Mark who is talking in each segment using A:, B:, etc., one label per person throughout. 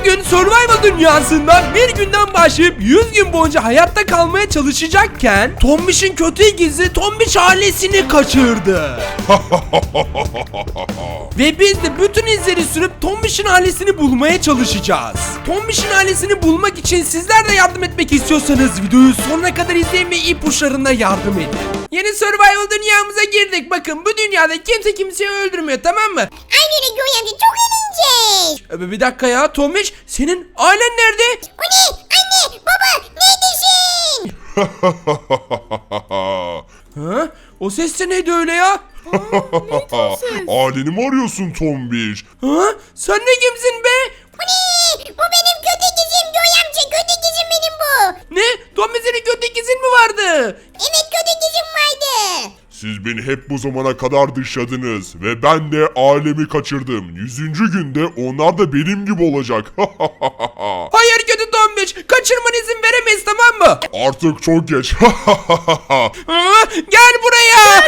A: bugün Survival dünyasında bir günden başlayıp 100 gün boyunca hayatta kalmaya çalışacakken Tombiş'in kötü ikizi Tombiş ailesini kaçırdı. Ve biz de bütün izleri sürüp Tombiş'in ailesini bulmaya çalışacağız. Tombiş'in ailesini bulmak için sizler de yardım etmek istiyorsanız videoyu sonuna kadar izleyin ve ipuçlarına yardım edin. Yeni Survival dünyamıza girdik. Bakın bu dünyada kimse kimseyi öldürmüyor, tamam mı?
B: Aynen öyle Göğe amca, çok eğlenceli.
A: Bir dakika ya Tombiş, senin ailen nerede?
B: O ne? Anne, baba, neredesin?
A: Ha? O ses de neydi öyle ya?
C: Aileni mi arıyorsun Tombiş?
A: Ha? Sen ne kimsin be?
B: O ne? Bu benim kötü ikizim Göğe amca, kötü ikizim benim bu.
A: Ne? Tombiş senin kötü ikizin mi vardı?
B: Evet, kötü ikizim vardı.
C: Siz beni hep bu zamana kadar dışladınız ve ben de ailemi kaçırdım. 100. günde onlar da benim gibi olacak.
A: Hayır kötü Tombiş, kaçırman izin veremeyiz, tamam mı?
C: Artık çok geç.
A: Ha? Gel buraya.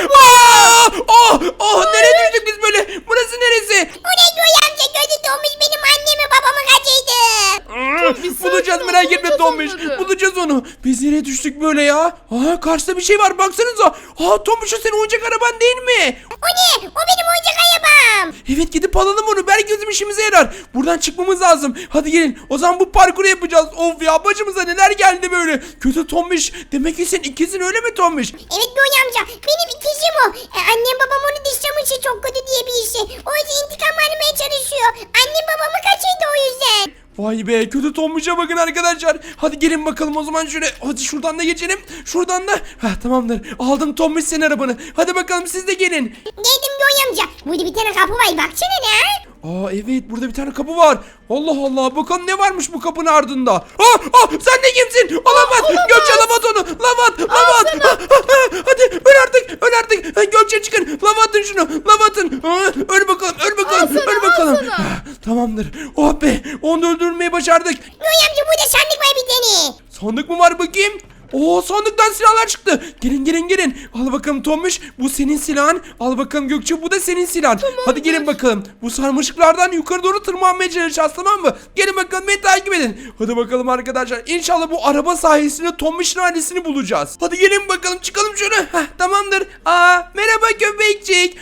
A: Nereye düştük biz böyle? Burası neresi?
B: O ne Göğe amca, kötü Tomuş benim annemi babamı kaçırdı.
A: Bulacağız, merak etme Tombiş. Bulacağız onu. Biz nereye düştük böyle ya? Karşıda bir şey var, baksanıza. Tombiş, o senin oyuncak araban değil mi?
B: O ne? O benim oyuncak arabam.
A: Evet, gidip alalım onu. Belki bizim işimize yarar. Buradan çıkmamız lazım. Hadi gelin. O zaman bu parkuru yapacağız. Of ya, başımıza neler geldi böyle. Kötü Tombiş. Demek ki senin ikizin, öyle mi Tombiş?
B: Evet Göğe amca, benim ikizim o. Annem babam onu dışlamıştı, çok kötü diye bir işi. O yüzden intikam almaya çalışıyor. Annem babamı kaçırdı o yüzden.
A: Vay be, kötü Tombiş'e bakın arkadaşlar. Hadi gelin bakalım o zaman şöyle. Hadi şuradan da geçelim. Şuradan da. Tamamdır. Aldım Tombiş senin arabanı. Hadi bakalım siz de gelin.
B: Geldim Göğe amca. Burada bir tane kapı var, baksana ne?
A: Evet, burada bir tane kapı var. Allah Allah, bakalım ne varmış bu kapının ardında. Sen de kimsin? Olamaz. Gökçe, lavat onu. Lavat. Hadi öl artık. Gökçe çıkın. Lavatın şunu. Lavatın. Öl bakalım. Tamamdır. Oh be, onu öldürmeyi başardık.
B: Göğe amca, burada sandık var bir tane.
A: Sandık mı var bakayım? Sandıktan silahlar çıktı. Gelin. Al bakalım Tombiş, bu senin silahın. Al bakalım Gökçe, bu da senin silahın. Hadi gelin bakalım. Bu sarmaşıklardan yukarı doğru tırmanmaya çalışacağız, tamam mı? Gelin bakalım, beni takip edin. Hadi bakalım arkadaşlar. İnşallah bu araba sayesinde Tombiş'in ailesini bulacağız. Hadi gelin bakalım, çıkalım şöyle. Tamamdır. Merhaba köpekçik.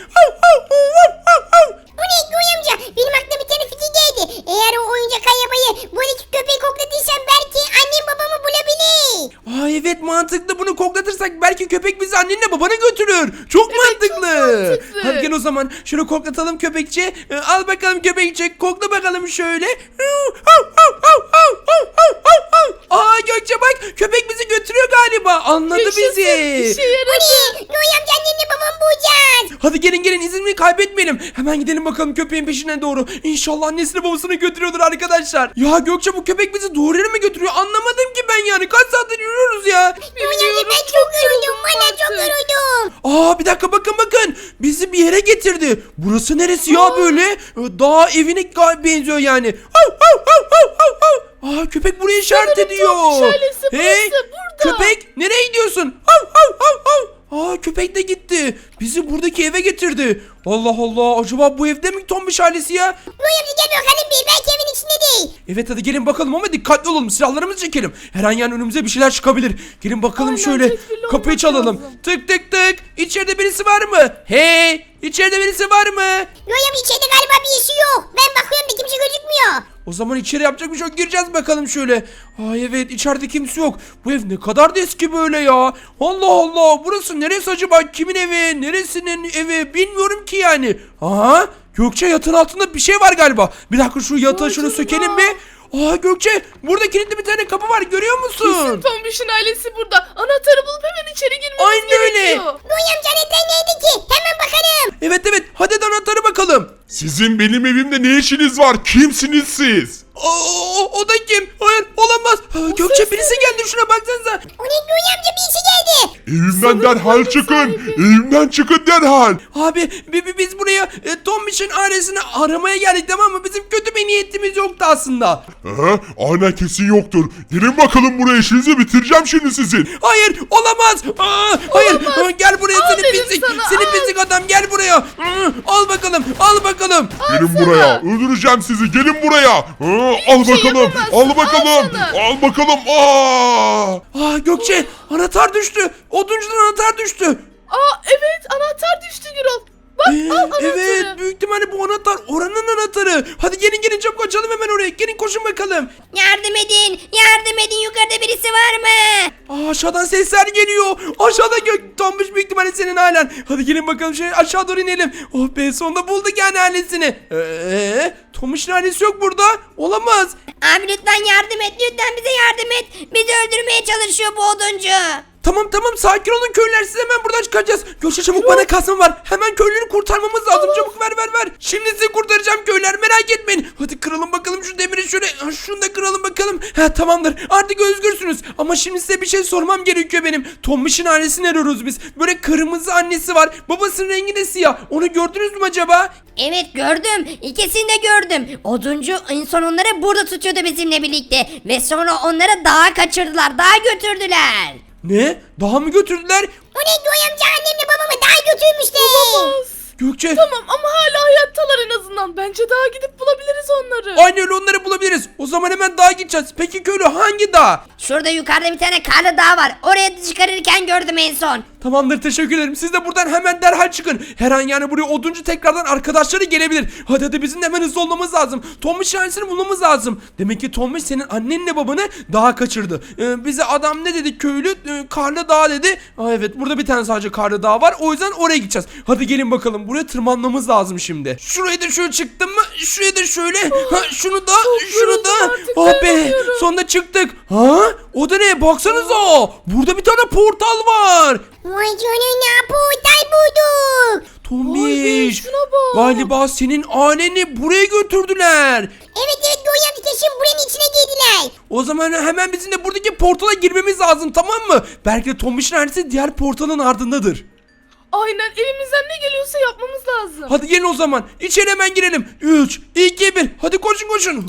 B: Bu ne Göğe amca? Benim aklıma bir tane fikir geldi. Eğer o oyuncak arabayı buradaki köpeği koklatırsam belki annem babamı bulabilir.
A: Evet, mantıklı. Bunu koklatırsak belki köpek bizi annenle babanı götürür. Çok mantıklı.
D: çok mantıklı.
A: Hadi gel o zaman. Şunu koklatalım köpekçi. Al bakalım köpekçi. Kokla bakalım şöyle. Gökçe bak, köpek bizi götürüyor galiba. Anladı bizi.
D: İşe
B: Bu
D: yaradı.
B: ne? Göğe amca, annemle babamı bulacağız.
A: Hadi gelin, izini kaybetmeyelim. Hemen gidelim bakalım köpeğin peşine doğru. İnşallah annesini babasını götürüyordur arkadaşlar. Ya Gökçe, bu köpek bizi doğru yere mi götürüyor? Anlamadım ki ben yani. Kaç saattir yürüyoruz ya.
B: Göğe amca, ben çok yoruldum. Valla çok yoruldum.
A: Bir dakika, bakın. Bizi bir yere getirdi. Burası neresi ya böyle? Dağ evine benziyor yani. Köpek buraya işaret ediyor.
D: Tombiş ailesi burası, burada.
A: Köpek, nereye gidiyorsun? Köpek de gitti. Bizi buradaki eve getirdi. Allah Allah, acaba bu evde mi Tombiş ailesi ya?
B: Göğe amca, gel bakalım bir. Belki evin içinde değil.
A: Evet, hadi gelin bakalım ama dikkatli olalım. Silahlarımızı çekelim. Her an yani önümüze bir şeyler çıkabilir. Gelin bakalım
D: Aynen,
A: şöyle.
D: tedbirli
A: Kapıyı
D: olmak
A: çalalım.
D: lazım.
A: Tık tık tık. İçeride birisi var mı? Hey! İçeride birisi var mı?
B: Göğe amca, içeride galiba bir işi yok. Ben bakıyorum da kimse gözükmüyor.
A: O zaman içeri yapacak bir şey yok. Gireceğiz bakalım şöyle. Evet, içeride kimse yok. Bu ev ne kadar da eski böyle ya. Allah Allah, burası neresi acaba? Kimin evi? Neresinin evi? Bilmiyorum ki yani. Gökçe, yatağın altında bir şey var galiba. Bir dakika, şu yatağı şunu sökelim mi? Gökçe, burada kilitli bir tane kapı var, görüyor musun?
D: Kesin Tombiş'in ailesi burada. Anahtarı bulup hemen içeri girmemiz
A: Aynen öyle.
D: gerekiyor.
B: Göğe amca, anahtar neydi ki? Hemen bakalım.
A: Evet, hadi anahtarı bakalım.
C: Sizin benim evimde ne işiniz var? Kimsiniz siz?
A: O da kim? Hayır, olamaz. Gökçe, birisi geldi, şuna baksanıza.
B: O ne Göğe amca, bir işi geldi.
C: Evimden derhal
D: buranın
C: çıkın.
D: sahibi.
C: Evimden çıkın derhal.
A: Abi, biz buraya Tombiş'in ailesini aramaya geldik, tamam mı? Bizim kötü bir niyetimiz yoktu aslında.
C: Aynen, kesin yoktur. Gelin bakalım buraya, işinizi bitireceğim şimdi sizin.
A: Hayır, olamaz. Hayır, gel buraya
D: Al
A: seni
D: dedim
A: pislik.
D: sana,
A: Seni
D: al.
A: pislik adam, gel buraya. Al bakalım.
C: Gelin buraya. Öldüreceğim sizi. Gelin buraya. Al
D: şey
C: bakalım.
D: yapamazsın.
C: Al bakalım.
D: sana.
C: Al bakalım. Aa!
A: Gökçe anahtar düştü. Oduncudan anahtar düştü.
D: Aa evet anahtar düştü Gürol. Bak al anahtarı.
A: Evet büyük ihtimalle bu anahtar oranın anahtarı. Hadi gelin çabuk açalım hemen oraya. Gelin koşun bakalım.
B: Yardım edin yukarıda birisi var mı?
A: Aşağıdan sesler geliyor. Aşağıda Tombiş büyük ihtimalle senin ailen. Hadi gelin bakalım aşağı doğru inelim. Oh be sonunda bulduk yani ailesini. Tombiş'in ailesi yok burada. Olamaz.
B: Abi lütfen yardım et lütfen bize yardım et. Bizi öldürmeye çalışıyor bu oduncu.
A: Tamam sakin olun köylüler siz hemen buradan çıkacağız. Gökçe çabuk bana kasma var. Hemen köylüleri kurtarmamız lazım. Çabuk ver. Şimdi sizi kurtaracağım köylüler merak etmeyin. Hadi kıralım bakalım şu demiri şöyle. Şunu da kıralım bakalım. Tamamdır artık özgürsünüz. Ama şimdi size bir şey sormam gerekiyor benim. Tombiş'in ailesini arıyoruz biz. Böyle kırmızı annesi var. Babasının rengi de siyah. Onu gördünüz mü acaba?
B: Evet gördüm. İkisini de gördüm. Oduncu en son onları burada tutuyordu bizimle birlikte. Ve sonra onları dağa kaçırdılar. Dağa götürdüler.
A: Ne? Daha mı götürdüler?
B: O ne Göğe amca annemle babamı dağa götürmüşler.
D: Olamaz.
A: Gökçe.
D: Tamam ama hala hayattalar en azından. Bence daha gidip bulabiliriz onları.
A: Aynı öyle onları bulabiliriz. O zaman hemen dağa gideceğiz. Peki köylü hangi dağ?
B: Şurada yukarıda bir tane karlı dağ var. Oraya çıkarırken gördüm en son.
A: Tamamdır teşekkür ederim. Siz de buradan hemen derhal çıkın. Her an yani buraya oduncu tekrardan arkadaşları gelebilir. Hadi bizim de hemen hızlı olmamız lazım. Tombiş ailesini bulmamız lazım. Demek ki Tombiş senin annenle babanı dağa kaçırdı. Bize adam ne dedi köylü? Karlı dağ dedi. Evet burada bir tane sadece karlı dağ var. O yüzden oraya gideceğiz. Hadi gelin bakalım. Buraya tırmanmamız lazım şimdi. Şurayı da şöyle çıktım mı? Şuraya da şöyle. Şunu da şunu da.
D: yoruldum artık,
A: Oh be.
D: dayanamıyorum.
A: Sonunda çıktık. O da ne? Baksanıza. Burada bir tane portal var.
B: Vay canına portal bulduk.
A: Tombiş.
D: şuna bak.
A: Galiba senin aileni buraya götürdüler.
B: Evet Göğe amca kesin buranın içine girdiler.
A: O zaman hemen bizim de buradaki portala girmemiz lazım tamam mı? Belki de Tombiş'in ailesi diğer portalın ardındadır.
D: Aynen elimizden ne geliyorsa yapmamız lazım.
A: Hadi gelin o zaman. İçeri hemen girelim. 3, 2, 1. Hadi koşun.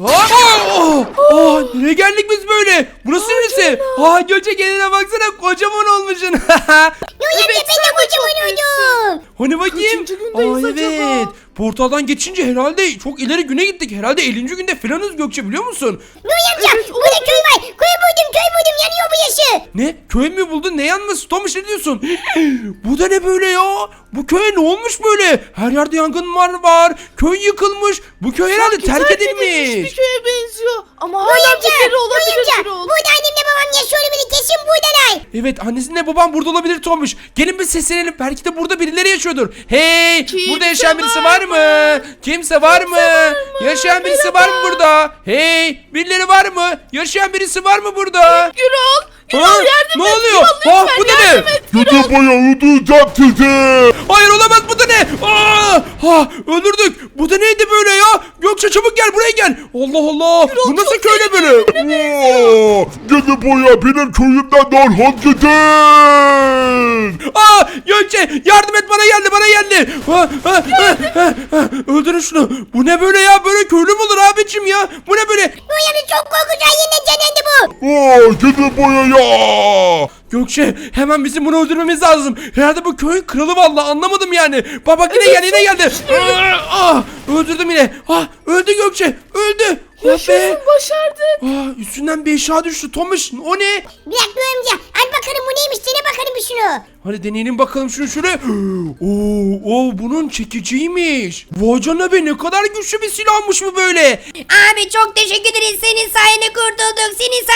A: Nereye geldik biz böyle? Burası neresi? Gökçe kendine baksana kocaman olmuşsun.
B: Göğe amca
D: Evet,
B: ben de
D: sen de
B: kocaman
D: çok
B: oldum.
A: Hani bakayım?
D: Kaçıncı gündeyiz acaba?
A: Evet. Portaldan geçince herhalde çok ileri güne gittik. Herhalde 50. günde falanız Gökçe biliyor musun?
B: Göğe amca
D: Evet,
B: burada köy var. Köy buldum yanıyor bu yaşı.
A: Ne? Köy mü buldun? Ne yanması? Tomuş ne diyorsun? Bu da ne böyle ya? Bu köye ne olmuş böyle? Her yerde yangınlar var. Köy yıkılmış. Bu köy herhalde
D: Sanki
A: terk
D: bir
A: edilmiş.
D: köye benziyor. Ama
B: Göğe
D: hala
B: amca
D: birileri olabilir
B: Göğe amca.
D: Gürol.
B: Burada annemle babam yaşıyor bile kesin buradalar.
A: Evet annesinle babam burada olabilir Tomuş. Gelin bir seslenelim. Belki de burada birileri yaşıyordur. Hey!
D: Kimse
A: burada yaşayan birisi
D: var
A: var mı? Kimse var mı? Yaşayan birisi var mı burada? Hey! Birileri var mı? Yaşayan birisi var mı burada?
D: Gürol. Gürol
A: Ha?
D: yardım
A: Ne
D: et.
A: oluyor?
D: Gürol,
A: Ha,
D: lütfen
A: bu da ne?
D: yardım et.
C: Kötü boya öldüreceğim sizi.
A: Hayır olamaz bu da ne? Öldürdük. Bu da neydi böyle ya? Gökçe çabuk gel buraya gel. Allah Allah. Bu nasıl köyle böyle?
C: Kötü boya benim köyümden derhal gidin.
A: Gökçe yardım et bana geldi. Öldürün şunu. Bu ne böyle ya? Böyle köylü mü olur abicim ya? Bu ne böyle?
B: Göğe amca çok korkunç yeniden canlandı bu.
C: Kötü boya ya.
A: Gökçe hemen bizim bunu öldürmemiz lazım. Herhalde bu köyün kralı vallahi anlamadım yani. Bak yine geldi. Öldürdüm yine. Öldü Gökçe. Öldü.
D: Yaşasın başardık.
A: Üstünden bir eşya düştü Tomuş. O ne?
B: Bir dakika Göğe amca. Al bakalım bu neymiş dene bakalım bir şunu.
A: Hadi deneyelim bakalım şunu şöyle. Bunun çekiciymiş. Vay canına be ne kadar güçlü bir silahmış bu böyle.
B: Abi çok teşekkür ederiz. Senin sayende kurtulduk.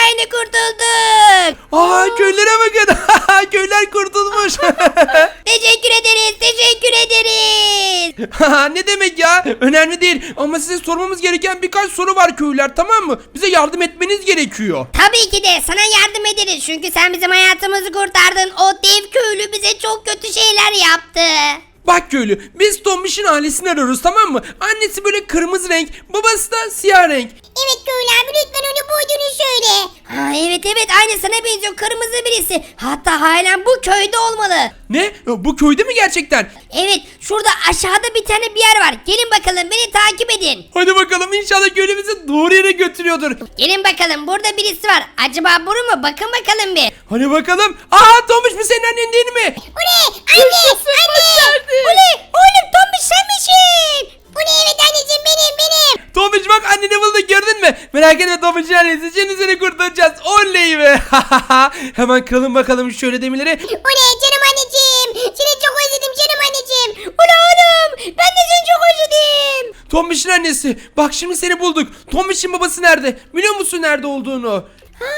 A: Köylere bakın. Köyler kurtulmuş.
B: Teşekkür ederiz.
A: Ne demek ya? Önemli değil. Ama size sormamız gereken birkaç soru var köylüler tamam mı? Bize yardım etmeniz gerekiyor.
B: Tabii ki de sana yardım ederiz. Çünkü sen bizim hayatımızı kurtardın. O dev köylü bize çok kötü şeyler yaptı.
A: Bak köylü biz Tombiş'in ailesini arıyoruz tamam mı? Annesi böyle kırmızı renk, babası da siyah renk.
B: Evet köylü abi lütfen onu bulduğunu söyle. Evet aynı sana benziyor kırmızı birisi. Hatta halen bu köyde olmalı.
A: Ne? Bu köyde mi gerçekten?
B: Evet şurada aşağıda bir tane bir yer var. Gelin bakalım beni takip edin.
A: Hadi bakalım inşallah köylü bizi doğru yere götürüyordur.
B: Gelin bakalım burada birisi var. Acaba bu mu? Bakın bakalım bir.
A: Hadi bakalım. Tombiş bu senin annen değil mi?
B: O ne? Anne!
D: Yaşasın, başardık.
B: O ne? Oğlum Tombiş sen misin? O ne, evet anneciğim, benim.
A: Tombiş bak anneni bulduk, gördün mü? Merak etme Tombiş'in annesi, şimdi seni kurtaracağız. Oley be. Hemen kıralım bakalım şöyle demirleri.
B: O ne canım anneciğim. Seni çok özledim canım anneciğim. Ula oğlum, ben de seni çok özledim.
A: Tombiş'in annesi, bak şimdi seni bulduk. Tombiş'in babası nerede? Biliyor musun nerede olduğunu?
B: Ha,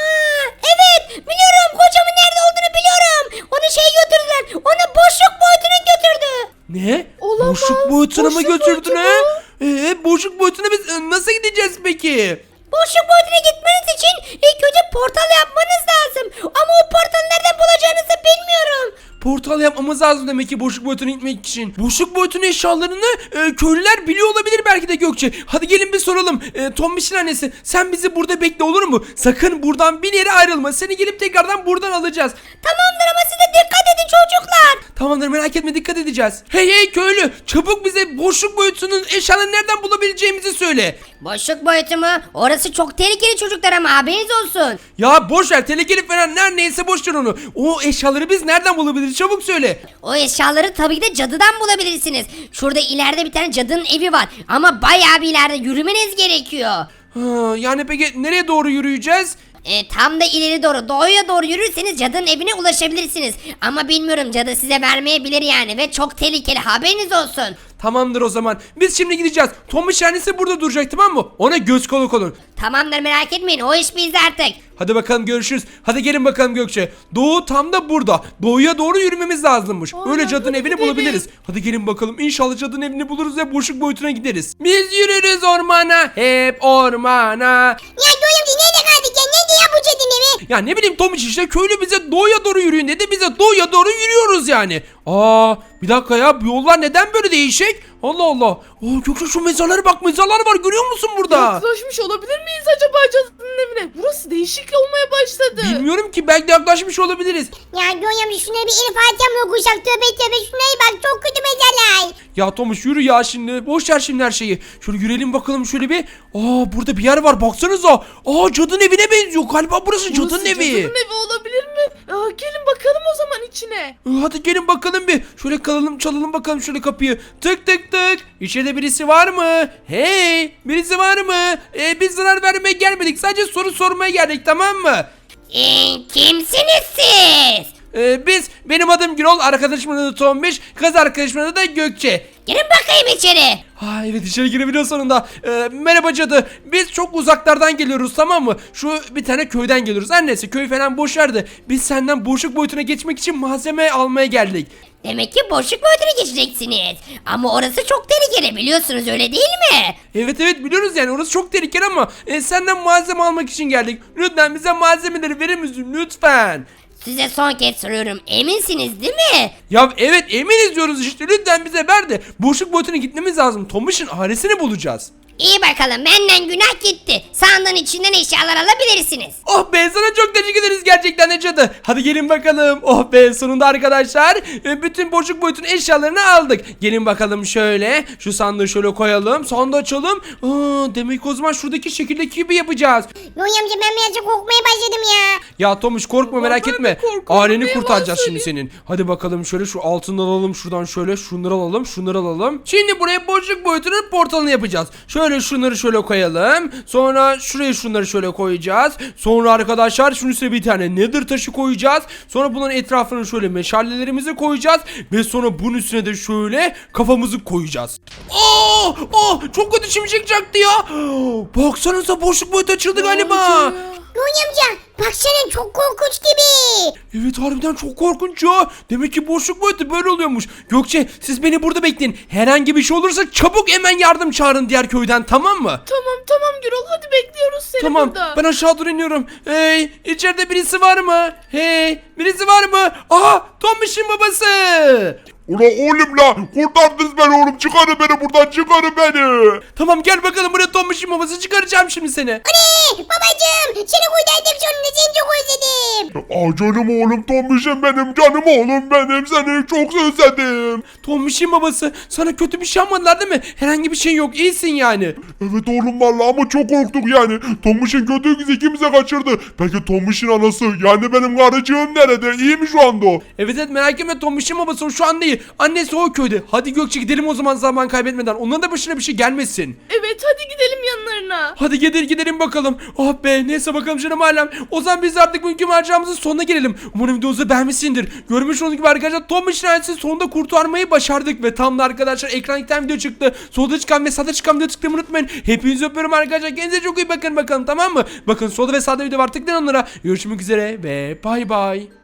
B: evet biliyorum, kocamın nerede olduğunu biliyorum. Onu götürdüler. Onu boşluk boyutuna götürdü.
A: Ne?
D: Olamaz.
A: Boşluk boyutuna mı
D: Boşluk
A: götürdün
D: boyutu
A: ha? Boşluk boyutuna biz nasıl gideceğiz peki?
B: Boşluk boyutuna gitmeniz için ilk önce portal yapmanız lazım. Ama o portalı nereden bulacağınızı bilmiyorum.
A: Portal yapmamız lazım demek ki boşluk boyutuna gitmek için. Boşluk boyutunun eşyalarını köylüler biliyor olabilir belki de Gökçe. Hadi gelin bir soralım. Tombiş'in annesi, sen bizi burada bekle, olur mu? Sakın buradan bir yere ayrılma. Seni gelip tekrardan buradan alacağız.
B: Tamamdır ama siz de dikkat edin çocuklar.
A: Tamamdır, merak etme, dikkat edeceğiz. Hey köylü, çabuk bize boşluk boyutunun eşyalarını nereden bulabileceğimizi söyle.
B: Boşluk boyutu mu? Orası çok tehlikeli çocuklar, ama haberiniz olsun.
A: Ya boş ver, tehlikeli falan neyse boş ver onu. O eşyaları biz nereden bulabiliriz, çabuk söyle.
B: O eşyaları tabii ki de cadıdan bulabilirsiniz. Şurada ileride bir tane cadının evi var. Ama bayağı bir ileride, yürümeniz gerekiyor.
A: Yani peki nereye doğru yürüyeceğiz?
B: Tam da ileri doğru, doğuya doğru yürürseniz cadının evine ulaşabilirsiniz. Ama bilmiyorum, cadı size vermeyebilir yani, ve çok tehlikeli, haberiniz olsun.
A: Tamamdır o zaman. Biz şimdi gideceğiz. Tombiş annesi burada duracak, tamam mı? Ona göz kulak olun.
B: Tamamdır, merak etmeyin, o iş bizde artık.
A: Hadi bakalım, görüşürüz. Hadi gelin bakalım Gökçe. Doğu tam da burada. Doğuya doğru yürümemiz lazımmış.
D: Aynen,
A: Öyle cadının
D: hadi
A: evini
D: gidelim.
A: bulabiliriz. Hadi gelin bakalım. İnşallah cadının evini buluruz ve boşluk boyutuna gideriz. Biz yürürüz ormana. Hep ormana.
B: Ya Göğüm, nerede kaldık ya? Nerede ya bu cadının evi?
A: Ya ne bileyim Tomiş, işte köylü bize doğuya doğru yürüyün dedi. Biz de doğuya doğru yürüyoruz yani. Bir dakika ya, bu yollar neden böyle değişik? Allah Allah. Gökçe şu mezarlara bak, mezarlar var, görüyor musun burada?
D: Yaklaşmış olabilir miyiz acaba cadının evine? Burası değişik olmaya başladı.
A: Bilmiyorum ki, belki de yaklaşmış olabiliriz.
B: Ya Göğüm, şunları bir El Fatiha mı okusak? Tövbe, şunlara bak, çok kötü mezarlar.
A: Ya Tomuş yürü ya şimdi. Boş ver şimdi her şeyi. Şöyle yürüyelim bakalım şöyle bir. Burada bir yer var, baksanıza. Cadının evine benziyor. Galiba burası cadının
D: Burası
A: evi.
D: cadının evi olabilir mi? Gelin bakalım o zaman içine.
A: Hadi gelin bakalım bir. Şöyle çalalım bakalım şöyle kapıyı. Tık tık tık. İçeride birisi var mı? Hey, birisi var mı? Biz zarar vermeye gelmedik. Sadece soru sormaya geldik, tamam mı?
B: Kimsiniz siz?
A: Benim adım Gürol, arkadaşımın adı Tombiş, kız arkadaşımın adı da Gökçe.
B: Girin bakayım içeri.
A: Evet, içeri girebiliyor sonunda. Merhaba cadı. Biz çok uzaklardan geliyoruz, tamam mı? Şu bir tane köyden geliyoruz. Her neyse, köy falan boş ver de biz senden boşluk boyutuna geçmek için malzeme almaya geldik.
B: Demek ki boşluk boyutuna geçeceksiniz. Ama orası çok tehlikeli, biliyorsunuz, öyle değil mi?
A: Evet biliyoruz yani, orası çok tehlikeli ama senden malzeme almak için geldik. Lütfen bize malzemeleri verir misin lütfen?
B: Size son kez soruyorum, eminsiniz değil mi?
A: Ya evet, eminiz diyoruz işte, lütfen bize ver de boşluk boyutuna gitmemiz lazım. Tombiş'in ailesini bulacağız.
B: İyi bakalım, benden günah gitti. Sandığın içinden eşyalar alabilirsiniz.
A: Oh be, sana çok teşekkür ederiz gerçekten de cadı. Hadi gelin bakalım. Oh be, sonunda arkadaşlar bütün boşluk boyutun eşyalarını aldık. Gelin bakalım şöyle. Şu sandığı şöyle koyalım. Sandığı açalım. Demek o zaman şuradaki şekildeki gibi yapacağız.
B: Göğüm amca, ben birazcık korkmaya başladım ya.
A: Ya Tomuş, korkma, merak
D: ben de
A: etme.
D: korkuyorum,
A: Aileni
D: ne
A: kurtaracağız
D: yalan
A: şimdi senin. Hadi bakalım şöyle, şu altından alalım şuradan, şöyle şunları alalım, şunları alalım. Şimdi buraya boşluk boyutunun portalını yapacağız. Şöyle şunları şöyle koyalım. Sonra şuraya şunları şöyle koyacağız. Sonra arkadaşlar şunun üstüne bir tane nether taşı koyacağız. Sonra bunların etrafına şöyle meşalelerimizi koyacağız. Ve sonra bunun üstüne de şöyle kafamızı koyacağız. Çok kötü şimşek çaktı ya. Baksanıza, boşluk boyutu açıldı galiba.
B: Göğüm amca, baksana, çok korkunç gibi.
A: Evet, harbiden çok korkunç ya. Demek ki boşluk boyutu böyle oluyormuş. Gökçe, siz beni burada bekleyin. Herhangi bir şey olursa çabuk hemen yardım çağırın diğer köyden, tamam mı?
D: Tamam Gürol, hadi bekliyoruz seni
A: Tamam,
D: burada.
A: ben aşağı doğru iniyorum. Hey, içeride birisi var mı? Hey, birisi var mı? Tombiş'in babası.
C: Ula oğlum la, kurtardınız beni oğlum, çıkarın beni buradan, çıkarın beni.
A: Tamam, gel bakalım buraya, Tombiş'in babası, çıkaracağım şimdi seni.
B: Ne? Babacığım. Seni kurtardım sonunda, seni çok özledim.
C: Canım oğlum Tombiş'im benim, canım oğlum benim, seni çok özledim.
A: Tombiş'in babası sana kötü bir şey yapmadılar değil mi? Herhangi bir şey yok, iyisin yani.
C: Evet oğlum vallahi ama çok korktuk yani. Tombiş'in kötü öküzü ikimize kaçırdı. Peki Tombiş'in anası yani benim karıcığım nerede? İyi mi şu anda o?
A: Evet merak etme, Tombiş'in babası o şu an değil. Annesi o köyde. Hadi Gökçe gidelim o zaman zaman kaybetmeden. Onların da başına bir şey gelmesin.
D: Evet hadi gidelim yanlarına.
A: Hadi gidelim bakalım. Ah be, neyse bakalım canım ailem. O zaman biz artık bugünkü maceramızın sonuna gelelim. Umarım videomuzu beğenmişsindir. Görmüş olduğunuz gibi arkadaşlar Tombiş'in ailesini sonunda kurtarmayı başardık. Ve tam da arkadaşlar ekrana iki tane video çıktı. Solda çıkan ve sağda çıkan video tıklamayı unutmayın. Hepinizi öpüyorum arkadaşlar. Kendinize çok iyi bakın bakalım, tamam mı? Bakın solda ve sağda video var, tıklayın onlara. Görüşmek üzere ve bay bay.